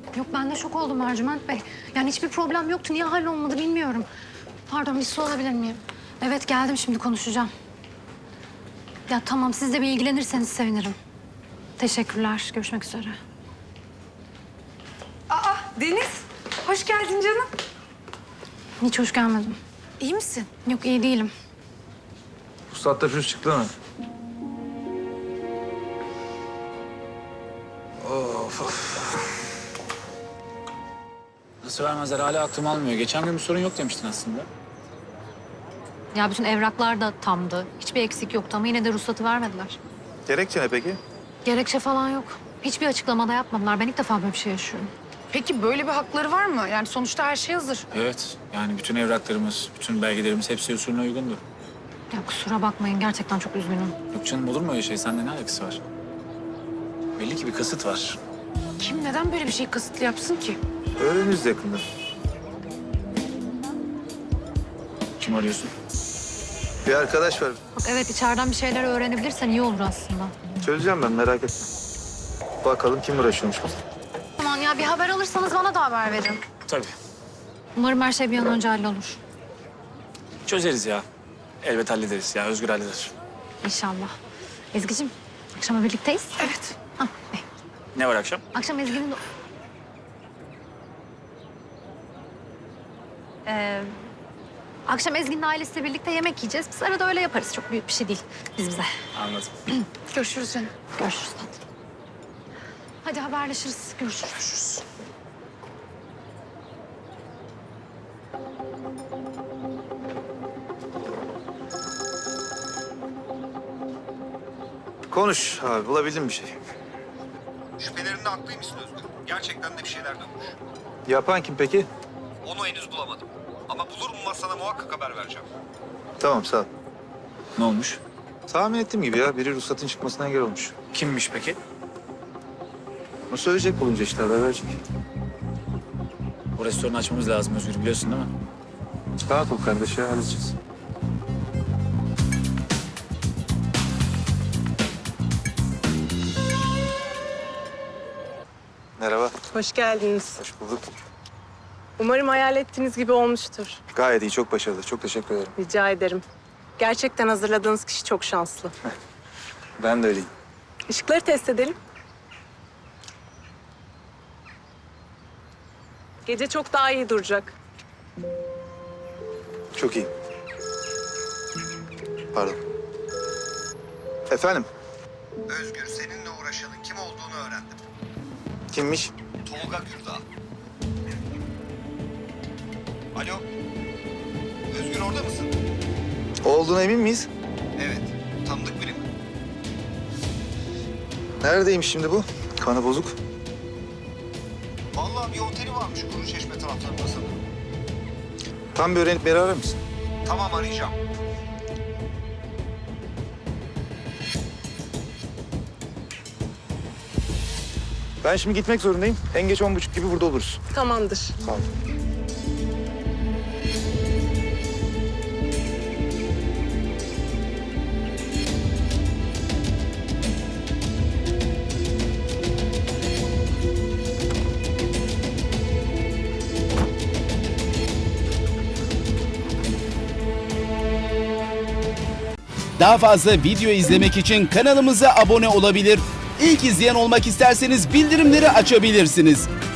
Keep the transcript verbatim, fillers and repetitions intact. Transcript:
Yok ben de şok oldum Ercüment Bey. Yani hiçbir problem yoktu. Niye hallolmadı bilmiyorum. Pardon bir su alabilir miyim? Evet geldim şimdi konuşacağım. Ya tamam siz de bir ilgilenirseniz sevinirim. Teşekkürler. Görüşmek üzere. Aa Deniz, hoş geldin canım. Hiç hoş gelmedim. İyi misin? Yok iyi değilim. Ruhsatta pürüz çıktı mı? Of of. Nasıl vermezler? Hala aklım almıyor. Geçen gün bir sorun yok demiştin aslında. Ya bütün evraklar da tamdı. Hiçbir eksik yoktu ama yine de ruhsatı vermediler. Gerekçe ne peki? Gerekçe falan yok. Hiçbir açıklamada yapmadılar. Ben ilk defa böyle bir şey yaşıyorum. Peki böyle bir hakları var mı? Yani sonuçta her şey hazır. Evet. Yani bütün evraklarımız, bütün belgelerimiz hepsi usulüne uygundu. Ya kusura bakmayın gerçekten çok üzgünüm. Yok canım olur mu öyle şey? Sende ne alakası var? Belli ki bir kasıt var. Kim neden böyle bir şey kasıtlı yapsın ki? Öğreniriz yakında. Kim arıyorsun? Bir arkadaş var. Bak evet içeriden bir şeyler öğrenebilirsen iyi olur aslında. Çözeceğim ben merak etme. Bakalım kim uğraşıyormuş biz. Aman ya bir haber alırsanız bana da haber verin. Tabii. Umarım her şey bir an önce hallolur. Çözeriz ya. Elbet hallederiz ya. Özgür halleder. İnşallah. Ezgi'cim akşama birlikteyiz. Evet. Ah, eh. Ne var akşam? Akşam Ezgi'nin... Ee, akşam Ezgi'nin ailesiyle birlikte yemek yiyeceğiz. Biz arada öyle yaparız. Çok büyük bir şey değil biz bize. Anladım. Görüşürüz canım. Görüşürüz tatlım. Hadi haberleşiriz. Görüşürüz. Görüşürüz. Konuş abi bulabildin bir şey. Şüphelerinde haklıymışsın Özgür. Gerçekten de bir şeyler dönmüş. Yapan kim peki? Onu henüz bulamadım. Ama bulur mu sana muhakkak haber vereceğim. Tamam sağ ol. Ne olmuş? Tahmin ettiğim gibi ya biri ruhsatın çıkmasına engel olmuş. Kimmiş peki? O söyleyecek bulunca işte haber verecek. Bu restoranı açmamız lazım Özgür biliyorsun değil mi? Rahat ol kardeş ya halledeceğiz. Merhaba. Hoş geldiniz. Hoş bulduk. Umarım hayal ettiğiniz gibi olmuştur. Gayet iyi, çok başarılı. Çok teşekkür ederim. Rica ederim. Gerçekten hazırladığınız kişi çok şanslı. Ben de öyleyim. Işıkları test edelim. Gece çok daha iyi duracak. Çok iyi. Pardon. Efendim? Özgür, seninle uğraşanın kim olduğunu öğrendim. Kimmiş? Tolga Gürdağ. Alo? Özgür orada mısın? Olduğuna emin miyiz? Evet. Tanıdık biri mi? Neredeymiş şimdi bu? Kanı bozuk. Vallahi bir oteli varmış Kuruçeşme taraflarında sanırım. Tam bir öğrenip beni arar mısın? Tamam, arayacağım. Ben şimdi gitmek zorundayım. En geç on buçuk gibi burada oluruz. Tamamdır. Sağ ol. Daha fazla video izlemek için kanalımıza abone olabilir. İlk izleyen olmak isterseniz bildirimleri açabilirsiniz.